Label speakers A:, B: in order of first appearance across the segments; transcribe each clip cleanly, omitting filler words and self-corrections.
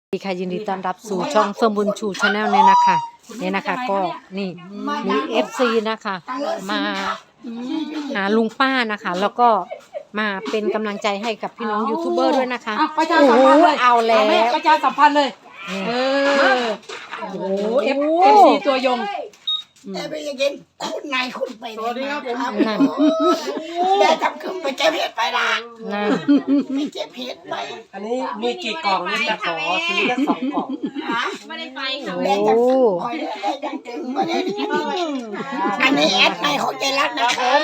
A: สวัสดีค่ะยินดีต้อนรับสู่ช่องเฟิร์มบุญชูชาแนลเนี่ยนะคะก็นี่มีFCนะคะมาหาลุงป้านะคะแล้วก็มาเป็นกำลังใจให้กับพี่น้องยูทูบเบอร์ด้วยนะคะ
B: ประชาสัมพันธ์เลย
A: เอาแล้ว
B: ประชาสัมพันธ์เลยโอ้โหFC ตัวยง
C: แต่ไปยังกินคุณนายคุณไปสวัสดีครับผม
A: นั่น
C: ได้ทำขึ้นไปเก็บเห็ดไปละ
A: นั่น
C: ไปเก็บเห็ดไป
D: อันนี้มีกี่กล่องนี่จะขอซื้อแค่2 กล่อง
C: ไม่ได้ไปค่ะได้จังได้จังถึงมาได้อันนี้แอดในของใจรักนะครับ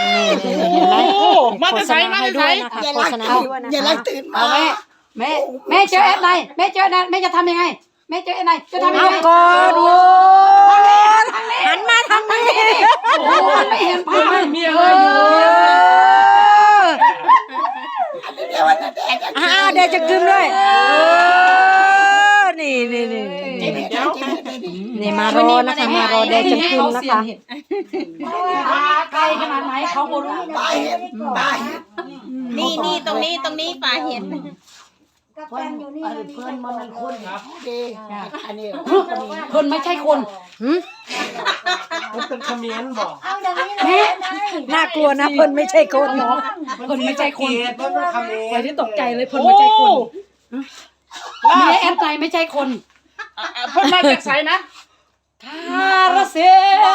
A: มาจะใช้มาจะใช้โฆษณาด้วยนะคะ
C: อย่ารักตื่นมา
B: แม่เจอแอดไลน์แม่เจอแม่จะทำยังไงแม่เจอแอดไลน์จะทำยังไง
A: ก่อนโว้หันมาทางนี้
B: โอ้ไม่เห็นภาพ
D: มีอะไรอยู่
C: เดี๋ยววันนั้น
A: เดี๋ยวจะกึมด้วยนี่มารอนะคะมารอเดี๋ยวจะกึมนะคะ
B: ไกลขนาดไหนเขาบ่รู้
C: ปลาเห็ด
E: นี่ตรงนี้ปลาเห็ด
C: เพื่อนมันคนครับดีอันนี้
B: คนไม่ใช่คน
D: มันเป็นคอมเมนต์บอก
B: แม่
A: น่ากลัวนะเพิ่นไม่ใช่คน
B: คนไม่ใช่คน
D: เพิ่นเป็นคอมเมนต์
B: ไปที่ตกใจเลยเพิ่นไม่ใช่คนแม่แอดไลน์ไม่ใช่คน
D: เพิ่นมาจากไสนะ
B: คาราเซ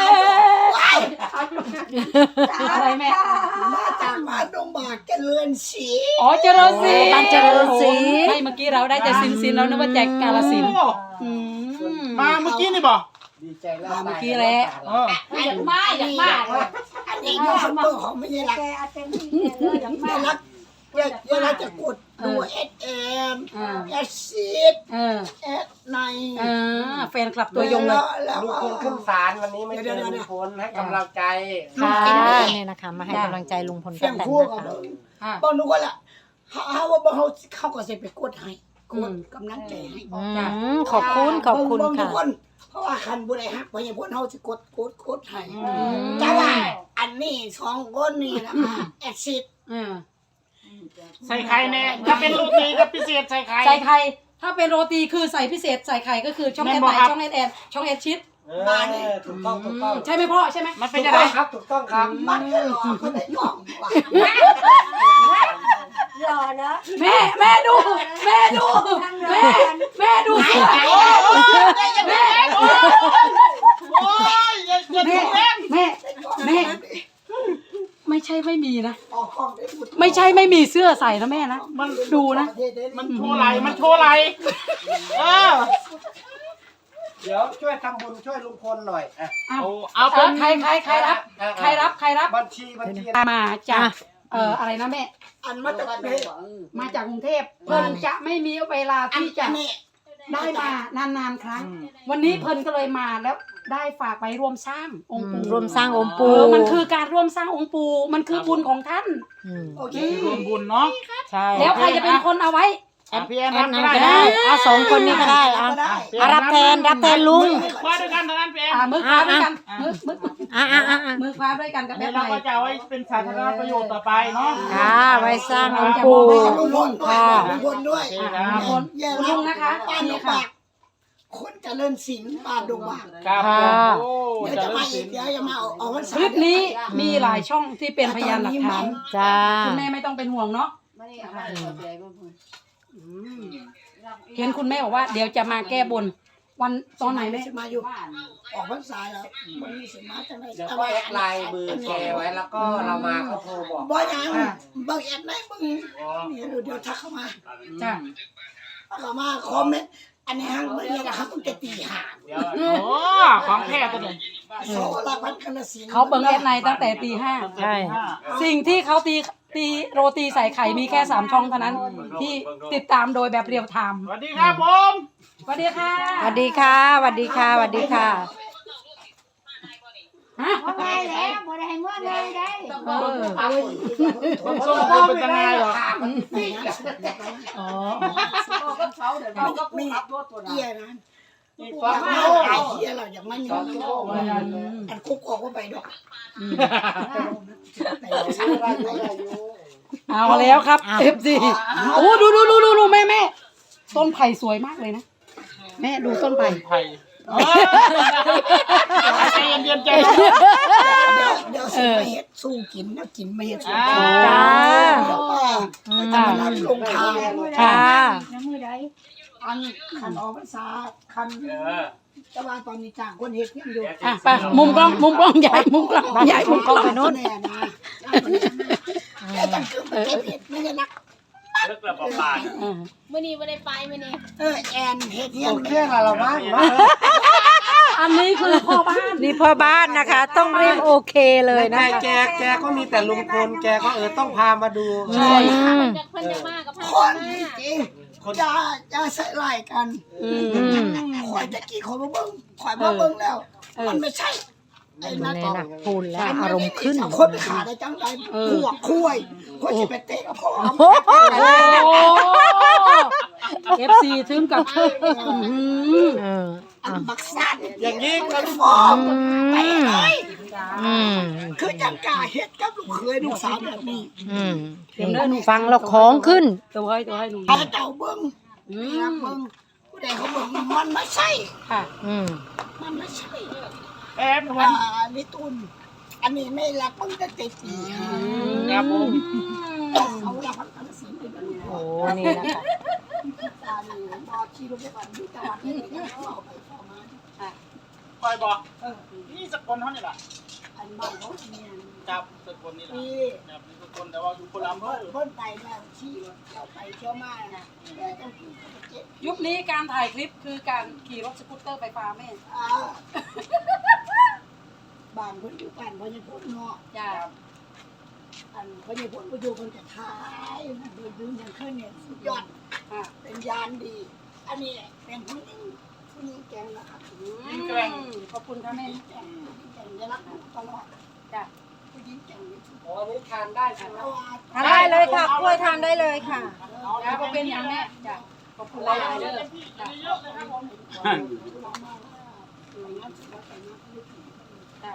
B: อะไรแม่
C: มาจากบ้านดงบากเจริญศรี
B: อ๋อเจริญศรี
A: บ้านเจริญศรี
B: ไม่เมื่อกี้เราได้แต่สินแล้วนึกว่าแจกกาฬสินธุ์
D: มาเมื่อกี้นี่บ่
C: ดีใจแล้ว
B: เมื่อกี้แหละอยากมา
C: อันนี้ยูทูบเบอร์ของไม่ใช่รักไม่รักอย่ารักจะกดดูSM SMใน
B: แฟนคลับตัวยงเลย
D: ลุงพลขึ้นศาลวันนี้ไม่เจอลุงพลให้กำลังใจ
A: ค่ะเนี่ยนะคะมาให้กำลังใจลุงพลป้าแตนนะคะ
C: บอกหนูก็ละว่าบอกเขาก็จะไปกดให้กดกำลังใจให้
A: ขอบคุณค่ะ
C: เพราะว่าคันบุได้ฮักเพราะอย่างพวกเขาจะกดให้แต่ว่าอันนี้2 คนนี่นะคะแอดซิด
D: ใส่ไข่แน่ถ้าเป็นโรตีก็พิเศษใส่ไข่
B: ถ้าเป็นโรตีคือใส่พิเศษใส่ไข่ก็คือช่องแอดไลน์ช่องแอดช่องแอดชิด
C: มาเนี่ย
D: ถูกต้อง
B: ใช่ไหมพ่อใช่ไหม
D: มันเป็นยังไงครับถูกต้องครับ
C: มันก็หลอกคนได้กล่อง
E: หล่อเนอะ
B: แม่ดูแม่ดูแม่
D: โอ้ยอย่าถูกแม่
B: ไม่ใช่ไม่มีนะไม่ใช่ไม่มีเสื้อใส่นะแม่นะมันดูนะ
D: มันโชว์ไหลเดี๋ยวช่วยทำบุญช่วยลุงพลหน่อย
B: เอาเป็นใครรับ
D: บัญชี
B: มาจากอะไรนะแม่
C: อันมาจาก
B: กรุงเทพเพิ่นจะไม่มีเวลาที่จะได้มานานๆครั้งวันนี้เพิ่นก็เลยมาแล้วได้ฝากไปร่วมสร้างองค์ปู่
A: ร่วมสร้างองค์ปู่
B: มันคือการร่วมสร้างองค์ปู่มันคือบุญของท่าน
C: โอเค
D: ร่วมบุญเนาะ
A: ใช่
B: แล้วใครจะเป็นคนเอาไว้
D: พี่แอน
A: ก็ได้2 คนนี้ก็ได้รับแทนลุง
D: คว้าด้วยกันทางนั้นพี่แอน
B: มือคว้าด้วยกันมือคว้าด้วยกันกับแม่
D: เราก็จะไว้เป็นสาธารณประโยชน์ต่อไปเนาะ
A: ไว้สร้างองค์ปู่
C: ค่ะลุงพลด้วย
B: ลุงนะคะ
C: ป้าดงบากคนเจริญศิลป์ป้าดงบาก
D: ครับ
C: เดี๋ยวจะมาอีกเดี๋ยวจะมาออกวัน
B: คลิปนี้มีหลายช่องที่เป็นพยานหลักฐาน
A: จ้า
B: คุณแม่ไม่ต้องเป็นห่วงเนาะเห็นคุณแม่บอกว่าเดี๋ยวจะมาแก้บนวันตอนไหนแม่
C: มาอยู่ออกพรรษาแล้วมันมีสิมาจังได๋
D: เดี๋ยวก็แอดไลน์เบอร์แชร์ไว้แล้วก็เรามาก็โทรบอก
C: บ่ยังบางแอดไหนบางเดี๋ยวทักเข้ามา
B: จ้ะ
C: เข้ามาคอมเมนต์อันนี้ฮังบ่ได้นะครับตั้งแต่ตี 5
D: โอ้ของแท้ตัวนี้
B: เขาเบิ่งแอดไลน์ตั้งแต่ตี 5
A: ใช่
B: สิ่งที่เขาตีโรตีใส่ไข่มีแค่3 ช่องเท่านั้นที่ติดตามโดยแบบเรียลไทม์
D: สวัสดีครับผม
B: สวัสดีค่ะ
A: สวัสดีค่ะสวัสดีค่ะสวัสดีค่ะ
E: ได้แล้วบ่ได้เมื่อเลยได้
D: ส่งพ่อเป็นยังไงหรอ
C: อ๋อก็เขาเดี๋ยวเราก็มีเอี้ยนะว่าไอ้เหี้ยเราอย่างมันอยู่อันคุกออกว่าไปดอก
B: เอาแล้วครับ FC โอ้ดูแม่ต้นไผ่สวยมากเลยนะแม่ดูต้นไผ่
D: ไผ่ใจเย็นๆใจ
C: เดี๋ยวสิไปเฮ็ดสู้กินนะกินไม่เฮ็ดสู้
A: จ้า
C: เดี๋ยวจะมารับลงทาง
A: ค่ะ
C: น้ำมือใดอันคันออกพรรษาคันแต่ว่าตอนนี้จ้างคนเฮ็ดเพียงอยู่
B: อ่ะไปมุมกล้องใหญ่มุมกล้องใหญ่มุมกล้อง
A: ไปนู้น
C: แน่นะแต่ต้องคือมันเก็บเห็ดไม่ใช่นัก
D: เลิกระบบปาน
E: มื่อนี้ไม่ได้ไปมื่อนี้
C: แอนเฮ็ดเที่ยง
F: แค่ละบ้าง
B: อันนี้คือพ่อบ้าน
A: นี่พ่อบ้านนะคะ ต้องเรียกโอเคเลยนะ
F: แต่
A: คะ
F: แกก็มีแต่ลุงพลแกก็ต้องพามาดู
A: อืม
E: เพิ่นจะมากับ
C: ค
E: พ่อน
C: จริงจะใส่ไล่กัน
A: อืม
C: คอยตะกี้คอยมาเบิ่งคอยมาเบิ่งแล้ว มันไม่ใช่ไอ้นั่น
A: นี่นะพูดแล้วอารมณ์ขึ้น
C: คนไปขาได้จังไรพวกคุยคนจะไปเตะกับพ่อ
B: โอ้เอฟซีถึงกับ
A: เออ
C: อันบักสัน
F: อย่างนี้
C: กันบอกไปเลย
A: อืม
C: คือจังกาเฮ็ดกับลูกเคยลูกสาวแบบนี้
A: อืมนี่ฟังแล้วของขึ้น
B: ตัวให้หนู
C: เอาเจ้าเบิ่งเบิ่งผู้ใดเขาเบิ่งมันไม่ใช่
B: ค่ะ
A: อืม
C: มันไม่ใช่
D: แอบวัน
C: ลิตุนอันนี้ไม่รักมึงตั้งแต่ปี
D: ครับผม
C: เขารักพันธุ์สีเป็น
A: โอ้นี่นะคะ
C: ตาหนูบอชีลูกไปก่อนดูตะวันที่เขาไปเข้ามา
D: คอยบอกนี่สกลเขานี่แหละ
C: อันบ้านเขาเนี่ย
D: จับสกลนี่แหละ
C: พี่
D: จับสกลแต่ว่าอยู่คนละอำเภอ
C: เพิ่นไปแล้วชี้เราไปเที่ยวมานะแต่ต้องกินเจ็บ
B: ยุคนี้การถ่ายคลิปคือการขี่รถสกูตเตอร์ไฟฟ้าแม่
C: บ้านเพิ่นอยู่บ้านเพิ่นยังพูดเนาะ
B: จ้า
C: อันเพิ่นยังพูดไปอยู่เพิ่นจะทายโดยดึงอย่างขึ้นเนี่ยสุดยอด เป็นยานดี อันนี้เป็นผู้หญิงแกงนะครับ
B: ขอบคุณค่ะแม่
C: แกงจะรักตลอด
B: จ้า
C: ผู้หญิงแกงนี่สุด
F: อ๋อนี่ทานได้ใช่ไหม
A: ทานได้เลยค่ะกล้วยทานได้เลยค่ะ
B: จ้าขอบคุณอย่างแม่จ้าขอบคุณหลายๆเด้อจ้าจ้า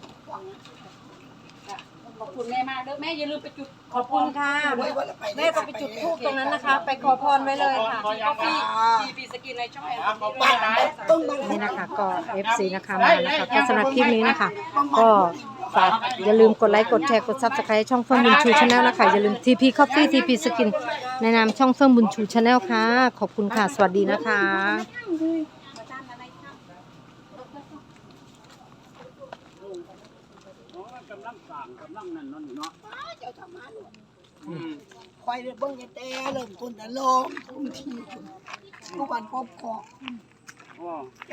B: ขอบคุณแม่มากเด้อแม่อย่าลืมไปจุด
A: ขอบคุณค่ะแม่ก็ไปจุดธูปตรงนั้นนะคะ ไปขอพรไว้เลยค่ะ
B: ปีสกินในช่องแอร์
D: ขอบคุณนะ
A: นี่นะคะก็ FC นะคะมานะคะก็สำหรับคลิปนี้นะคะ ก็ฝากอย่าลืมกดไลค์กดแชร์กด Subscribe ช่องเฟื่องบุญชูชาแนลนะคะอย่าลืม TP Coffee TP Skin ในนามช่องเฟื่องบุญชูชาแนลค่ะ ขอบคุณค่ะ สวัสดีนะคะ
D: กำลังสั่งกำลังนั่นนั่นเนาะ
C: เจ้าทำมาหนูคอยเบิ่งแต่เริ่มต้นแต่ลงทุกทีทุกวันครบครอบ